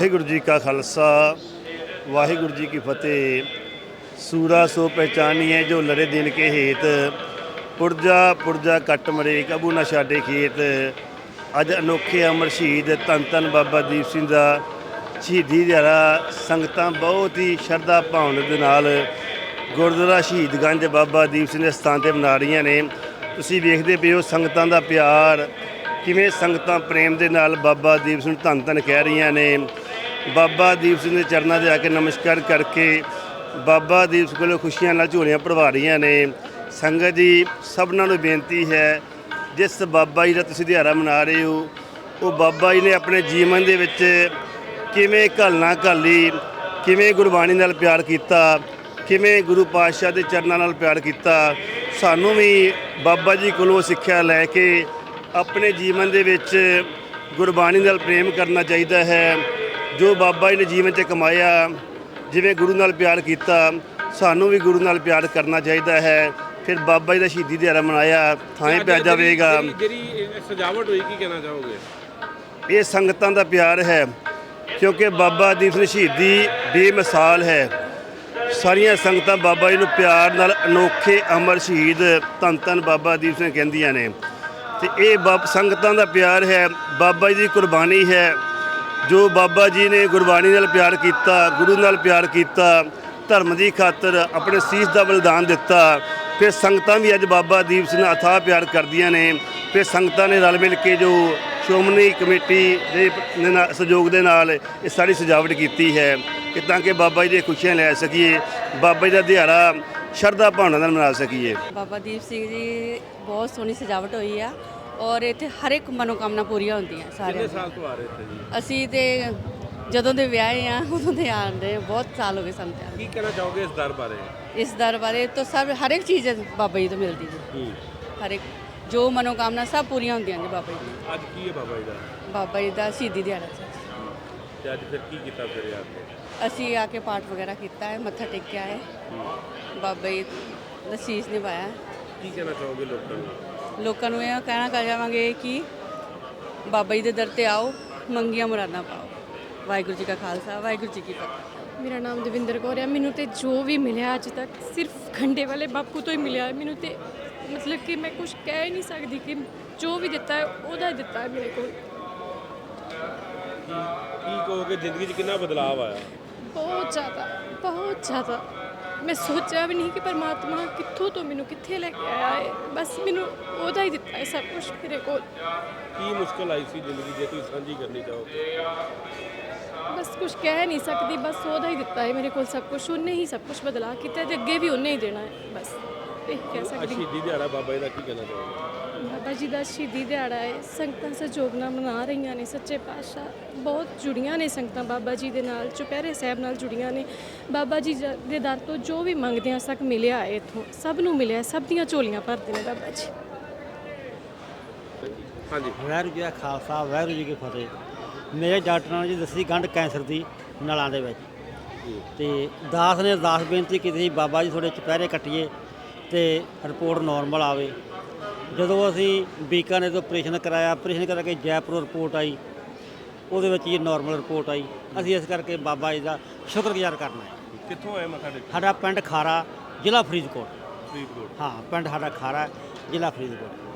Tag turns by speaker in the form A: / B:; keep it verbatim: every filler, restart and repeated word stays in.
A: ਵਾਹਿਗੁਰੂ ਜੀ ਕਾ ਖਾਲਸਾ ਵਾਹਿਗੁਰੂ जी की फतेह। सूरा सो पहचानिए जो लड़े दिन के हेत, पुरजा पुरजा कट मरे कबू ना छाडे खेत। अज अनोखे अमर शहीद धन धन बाबा दीप सिंह का शहीदी दिहाड़ा संगतां बहुत ही शरधा भावना दे नाल गुरुद्वारा शहीदगंज बाबा दीप सिंह दे स्थान ते मना रहीआं ने। तुसीं वेखदे पए हो संगतां दा प्यार, किवें संगतां प्रेम दे नाल बाबा दीप सिंह धन धन कह रहीआं ने। बाबा दीप सिंह के चरणों से आके नमस्कार करके बाबा दीप सिंह को खुशियां नाल झोलियां भरवा रही ने। संगत जी सबनों नूं बेनती है, जिस बाबा जी का तुसीं दिहाड़ा मना रहे हो वो बाबा जी ने अपने जीवन दे विच किवें घलना घाली, किवें गुरबाणी नाल प्यार कीता, किवें गुरु पातशाह के चरणों नाल प्यार कीता। सानूं भी बाबा जी कोलों सिक्ख्या लैके अपने जीवन दे विच गुरबाणी नाल प्रेम करना चाहिए है। जो बाबा जी ने जीवन च कमाया, जिवें गुरु नाल प्यार किया, सानू भी गुरु नाल प्यार करना चाहिए है। फिर बाबा जी का शहीदी दिहाड़ा मनाया थाएं पै जाएगा।
B: सजावट हुई की कहना चाहोगे?
A: ये संगतां दा प्यार है, क्योंकि बाबा दीप सिंह शहीदी बेमिसाल है। सारियां संगतां बाबा जी नूं प्यार नाल अनोखे अमर शहीद धन धन बाबा दीप सिंह कहंदियां ने। ते ये बाब संगतां दा प्यार है, बाबा जी दी कुर्बानी है। जो बाबा जी ने गुरबाणी नाल प्यार किया, गुरु नाल प्यार किया, धर्म की खातर अपने सीस का बलिदान दिता। फिर संगतां भी अज बाबा दीप सिंह अथाह प्यार करदियां ने। फिर संगतां ने रल मिल के जो श्रोमणी कमेटी के सहयोग के नाल ये सारी सजावट की है कि ताकि बाबा जी दी खुशियां लै सकीए, बाबा जी का दिहाड़ा शरधा भावना नाल मना सकीए।
C: बाबा दीप सिंह जी बहुत सोहनी सजावट हुई है और इत्थे हर एक मनोकामना पूरीਆਂ ਹੁੰਦੀਆਂ ਸਾਰਿਆਂ
B: कितने साल तो आ रहे थे जी?
C: ਅਸੀਂ ਤੇ ਜਦੋਂ ਦੇ ਵਿਆਹੇ ਆ ਉਦੋਂ ਦੇ ਆਉਂਦੇ ਬਹੁਤ ਸਾਲ ਹੋ ਗਏ ਸਾਨੂੰ ਤੇ
B: की कहना चाहोगे इस दर बारे?
C: ਇਸ ਦਰ ਬਾਰੇ ਤਾਂ ਸਭ ਹਰ ਇੱਕ ਚੀਜ਼ ਬਾਬਾ ਜੀ ਤੋਂ ਮਿਲਦੀ ਜੀ। ਹਰ ਇੱਕ ਜੋ ਮਨੋਕਾਮਨਾ ਸਭ ਪੂਰੀਆਂ ਹੁੰਦੀਆਂ ਜੀ ਬਾਬਾ ਜੀ ਦੀਆਂ।
B: ਅੱਜ ਕੀ ਹੈ ਬਾਬਾ ਜੀ ਦਾ?
C: ਬਾਬਾ ਜੀ ਦਾ ਸ਼ਹੀਦੀ ਦਿਹਾੜਾ ਸੀ।
B: ਤੇ ਅੱਜ ਫਿਰ ਕੀ ਕੀਤਾ ਫਿਰ ਯਾਰ?
C: ਅਸੀਂ ਆ ਕੇ ਪਾਠ ਵਗੈਰਾ ਕੀਤਾ ਹੈ, ਮੱਥਾ ਟੇਕਿਆ ਹੈ, ਬਾਬਾ ਜੀ ਦਾ ਸੀਸ ਨਿਭਾਇਆ।
B: ਕੀ ਕਹਿਣਾ ਚਾਹੋਗੇ ਲੋਕਾਂ ਨੂੰ?
C: ਲੋਕਾਂ ਨੂੰ ਇਹ ਕਹਿਣਾ ਕਰ ਜਾਵਾਂਗੇ ਕਿ ਬਾਬਾ ਜੀ ਦੇ ਦਰ ਤੇ ਆਓ, ਮੰਗੀਆਂ ਮੁਰਾਦਾਂ ਪਾਓ। ਵਾਹਿਗੁਰੂ ਜੀ ਕਾ ਖਾਲਸਾ ਵਾਹਿਗੁਰੂ ਜੀ ਕੀ ਫਤਿਹ।
D: ਮੇਰਾ ਨਾਮ ਦਵਿੰਦਰ ਕੌਰ ਹੈ। ਮੈਨੂੰ ਤੇ ਜੋ ਵੀ ਮਿਲਿਆ ਅੱਜ ਤੱਕ ਸਿਰਫ ਖੰਡੇ ਵਾਲੇ ਬਾਪੂ ਤੋਂ ਹੀ ਮਿਲਿਆ ਹੈ। ਮੈਨੂੰ ਤੇ ਮਤਲਬ ਕਿ ਮੈਂ ਕੁਝ ਕਹਿ ਨਹੀਂ ਸਕਦੀ ਕਿ ਜੋ ਵੀ ਦਿੱਤਾ ਹੈ ਉਹਦਾ ਹੀ ਦਿੱਤਾ ਹੈ ਮੇਰੇ ਕੋਲ।
B: ਕੀ ਕੀ ਕਹੋਗੇ ਜ਼ਿੰਦਗੀ 'ਚ ਕਿੰਨਾ ਬਦਲਾਅ ਆਇਆ?
D: ਬਹੁਤ ਜ਼ਿਆਦਾ ਬਹੁਤ ਜ਼ਿਆਦਾ। ਮੈਂ ਸੋਚਿਆ ਵੀ ਨਹੀਂ ਕਿ ਪਰਮਾਤਮਾ ਕਿੱਥੋਂ ਤੋਂ ਮੈਨੂੰ ਕਿੱਥੇ ਲੈ ਕੇ ਆਇਆ ਹੈ। ਬਸ ਮੈਨੂੰ ਉਹਦਾ ਹੀ ਦਿੱਤਾ ਹੈ ਸਭ ਕੁਝ ਮੇਰੇ ਕੋਲ।
B: ਕੀ ਮੁਸ਼ਕਲ ਆਈ ਸੀ ਜ਼ਿੰਦਗੀ ਜੇ ਤੁਸੀਂ ਸਾਂਝੀ ਕਰਨੀ ਚਾਹੋਗੇ?
D: ਬਸ ਕੁਝ ਕਹਿ ਨਹੀਂ ਸਕਦੀ, ਬਸ ਉਹਦਾ ਹੀ ਦਿੱਤਾ ਹੈ ਮੇਰੇ ਕੋਲ ਸਭ ਕੁਝ। ਉਹਨੇ ਹੀ ਸਭ ਕੁਝ ਬਦਲਾ ਕੀਤਾ ਤੇ ਅੱਗੇ ਵੀ ਉਹਨੇ ਹੀ ਦੇਣਾ ਹੈ। ਬਸ ਇਹ ਕਹਿ ਸਕਦੀ।
B: ਸ਼ਹੀਦੀ ਦਿਹਾੜਾ ਬਾਬਾ ਜੀ ਦਾ ਕੀ ਕਹਿਣਾ ਚਾਹੋਗੇ?
D: ਬਾਬਾ ਜੀ ਦਾ ਸ਼ਹੀਦੀ ਦਿਹਾੜਾ ਹੈ, ਸੰਗਤਾਂ ਸਹਿਯੋਗ ਨਾਲ ਮਨਾ ਰਹੀਆਂ ਨੇ। ਸੱਚੇ ਪਾਤਸ਼ਾਹ ਬਹੁਤ ਜੁੜੀਆਂ ਨੇ ਸੰਗਤਾਂ ਬਾਬਾ ਜੀ ਦੇ ਨਾਲ, ਚੁਪਹਿਰੇ ਸਾਹਿਬ ਨਾਲ ਜੁੜੀਆਂ ਨੇ। ਬਾਬਾ ਜੀ ਦੇ ਦਰ ਤੋਂ ਜੋ ਵੀ ਮੰਗਦੇ ਆ ਸਭ ਮਿਲਿਆ ਹੈ, ਇੱਥੋਂ ਸਭ ਨੂੰ ਮਿਲਿਆ, ਸਭ ਦੀਆਂ ਝੋਲੀਆਂ ਭਰਦੇ ਨੇ ਬਾਬਾ ਜੀ।
B: ਹਾਂਜੀ,
E: ਵਾਹਿਗੁਰੂ ਜੀ ਦਾ ਖਾਲਸਾ ਵਾਹਿਗੁਰੂ ਜੀ ਕੀ ਫਤਿਹ। ਮੇਰੇ ਡਾਕਟਰਾਂ ਨੇ ਜੀ ਦੱਸੀ ਗੰਢ ਕੈਂਸਰ ਦੀ ਨਲਾਂ ਦੇ ਵਿੱਚ, ਤੇ ਦਾਸ ਨੇ ਅਰਦਾਸ ਬੇਨਤੀ ਕੀਤੀ ਸੀ ਬਾਬਾ ਜੀ ਥੋੜ੍ਹੇ ਚੁਪਹਿਰੇ ਕੱਟੀਏ ਅਤੇ ਰਿਪੋਰਟ ਨੋਰਮਲ ਆਵੇ। ਜਦੋਂ ਅਸੀਂ ਬੀਕਾਨੇਰ ਤੋਂ ਆਪਰੇਸ਼ਨ ਕਰਾਇਆ, ਆਪਰੇਸ਼ਨ ਕਰਾ ਕੇ ਜੈਪੁਰ ਰਿਪੋਰਟ ਆਈ, ਉਹਦੇ ਵਿੱਚ ਹੀ ਨੋਰਮਲ ਰਿਪੋਰਟ ਆਈ। ਅਸੀਂ ਇਸ ਕਰਕੇ ਬਾਬਾ ਜੀ ਦਾ ਸ਼ੁਕਰਗੁਜ਼ਾਰ ਕਰਨਾ ਹੈ।
B: ਕਿੱਥੋਂ ਆਏ ਮੱਥਾ ਟੇਕਣ?
E: ਸਾਡਾ ਪਿੰਡ ਖਾਰਾ, ਜ਼ਿਲ੍ਹਾ ਫਰੀਦਕੋਟ।
B: ਫਰੀਦਕੋਟ।
E: ਹਾਂ, ਪਿੰਡ ਸਾਡਾ ਖਾਰਾ, ਜ਼ਿਲ੍ਹਾ ਫਰੀਦਕੋਟ।